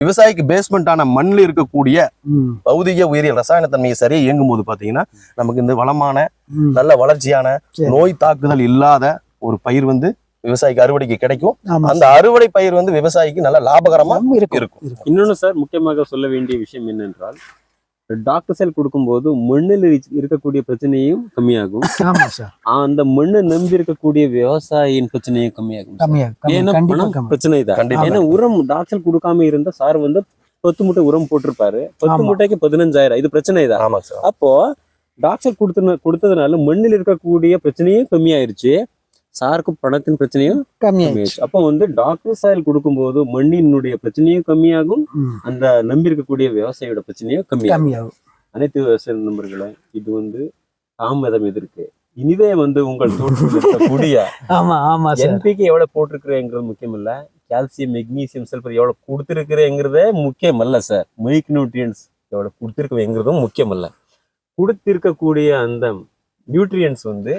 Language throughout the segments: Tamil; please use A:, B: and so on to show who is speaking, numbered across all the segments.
A: விவசாயிக்கு பேஸ்மெண்டான மண்ணில் இருக்கக்கூடிய பௌதிக உயிரியல் ரசாயன தன்மையை சரியா இயங்கும் போது பாத்தீங்கன்னா நமக்கு இந்த வளமான நல்ல வளர்ச்சியான நோய் தாக்குதல் இல்லாத ஒரு பயிர் வந்து விவசாயிக்கு அறுவடைக்கு கிடைக்கும். அந்த அறுவடை பயிர் வந்து விவசாயிக்கு நல்ல லாபகரமா இருக்கும்.
B: இன்னொன்னு சார், முக்கியமாக சொல்ல வேண்டிய விஷயம் என்னென்றால், டாக்டர் செல் கொடுக்கும்போது மண்ணில் இருக்கக்கூடிய பிரச்சனையும் கம்மியாகும். அந்த மண்ணை நம்பி இருக்கக்கூடிய விவசாயியின் பிரச்சனையும் கம்மியாகும். ஏன்னா பணம் பிரச்சனை தான். ஏன்னா உரம் டாக்டர் கொடுக்காம இருந்தா சார் வந்து 10 மூட்டை உரம் போட்டிருப்பாரு, 10 மூட்டைக்கு 15,000, இது பிரச்சனை தான். அப்போ டாக்டர் கொடுத்ததுனால மண்ணில் இருக்கக்கூடிய பிரச்சனையும் கம்மியாயிருச்சு, சாருக்கு பணத்தின் பிரச்சனையும் கம்மியாயிருச்சு. அப்போ வந்து டாக்டர் சாயல் கொடுக்கும்போது மண்ணினுடைய பிரச்சனையும் கம்மியாகும், அந்த நம்பி இருக்கக்கூடிய விவசாயியோட பிரச்சனையும் கம்மியாகும். அனைத்து விவசாய நண்பர்களே, இது வந்து தாமதம் எதிர்க்கு. இனிதே வந்து உங்கள் தோட்டத்தில் இருக்கக்கூடிய என்பிக்கு எவ்வளவு போட்டிருக்கிறேங்கிறது முக்கியம் இல்ல, கால்சியம் மெக்னீசியம் சல்பர் எவ்வளவு கொடுத்திருக்கிறேங்கிறதே முக்கியம் அல்ல சார். மைக்ரோ நியூட்ரியன்ஸ் எவ்வளவு கொடுத்திருக்கேங்கிறதும் முக்கியம் அல்ல, கொடுத்திருக்கக்கூடிய அந்த நியூட்ரியன்ஸ் வந்து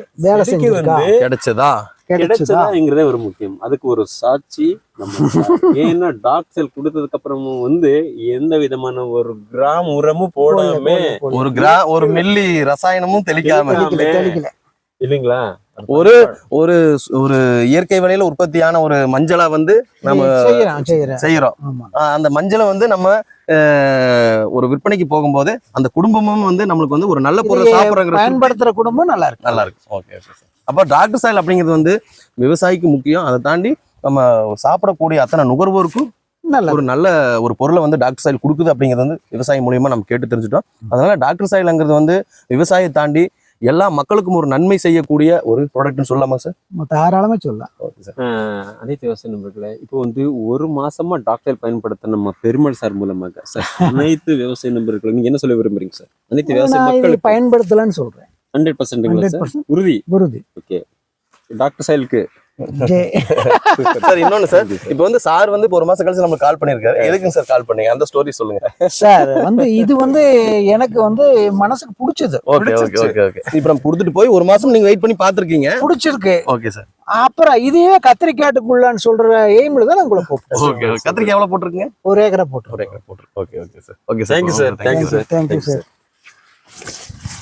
B: கிடைச்சதாங்கிறதே ஒரு முக்கியம். அதுக்கு ஒரு சாட்சி நம்ம. ஏன்னா டாக்டர் கொடுத்ததுக்கு அப்புறமும் வந்து எந்த விதமான ஒரு கிராம் உரமும் போடாம,
A: ஒரு மில்லி ரசாயனமும் தெளிக்காம
B: இல்லைங்களா,
A: ஒரு ஒரு ஒரு இயற்கை வழியில உற்பத்தியான ஒரு மஞ்சளை வந்து நம்ம செய்யறோம். அந்த மஞ்சளை வந்து நம்ம ஒரு விற்பனைக்கு போகும்போது அந்த குடும்பமும் வந்து நம்மளுக்கு வந்து ஒரு நல்ல பொருள் சாப்பிடுற
C: பயன்படுத்துற குடும்பம் நல்லா இருக்கு.
A: ஓகே. அப்ப டாக்டர் சாயல் அப்படிங்கிறது வந்து விவசாயிக்கு முக்கியம். அதை தாண்டி நம்ம சாப்பிடக்கூடிய அத்தனை நுகர்வோருக்கும் ஒரு நல்ல ஒரு பொருளை வந்து டாக்டர் சாயல் கொடுக்குது அப்படிங்கிறது வந்து விவசாயி மூலியமா நம்ம கேட்டு தெரிஞ்சுட்டோம். அதனால டாக்டர் சாயல்ங்கிறது வந்து விவசாயத்தை தாண்டி எல்லா மக்களுக்கும் ஒரு நன்மை செய்யக்கூடிய ஒரு ப்ராடக்ட்னு சொல்லலாமா சார்?
C: தாராளமா சொல்லலாம்.
B: அனைத்து விவசாய நண்பர்களே, இப்போ வந்து ஒரு மாசமா டாக்டர் பயன்படுத்த நம்ம பெருமாள் சார் மூலமாக சார் அனைத்து விவசாய நண்பர்களுக்கு நீங்க என்ன சொல்ல விரும்புறீங்க சார்? அனைத்து விவசாய மக்கள்
C: பயன்படுத்தலாம்னு சொல்றேன்.
B: 100% உறுதி. ஓகே, டாக்டர் சாயலுக்கு
A: சார். இன்னொன்னு சார், இப்ப வந்து சார் வந்து ஒரு மாசம் கழிச்சு நம்ம கால் பண்ணிருக்காரு. எதுக்குங்க சார் கால் பண்ணீங்க? அந்த ஸ்டோரி சொல்லுங்க
C: சார். வந்து இது வந்து எனக்கு வந்து மனசுக்கு பிடிச்சது.
A: ஓகே. இப்ப நம்ம கொடுத்துட்டு போய் ஒரு மாசம் நீங்க வெயிட் பண்ணி பாத்துருக்கீங்க, பிடிச்சிருக்கு. Okay sir.
C: அப்புறம் இதையே கத்திரிக்காட்டுக்குள்ளான்னு சொல்ற எய்ம்ல தான் உங்களை கூப்பிட்டேன்.
A: ஓகே. கத்திரிக்காய் எவ்வளவு போட்டிருக்கீங்க?
C: 1 ஏக்கரை போட்டு.
A: Okay sir. Okay sir. Thank you sir.
C: Thank you sir.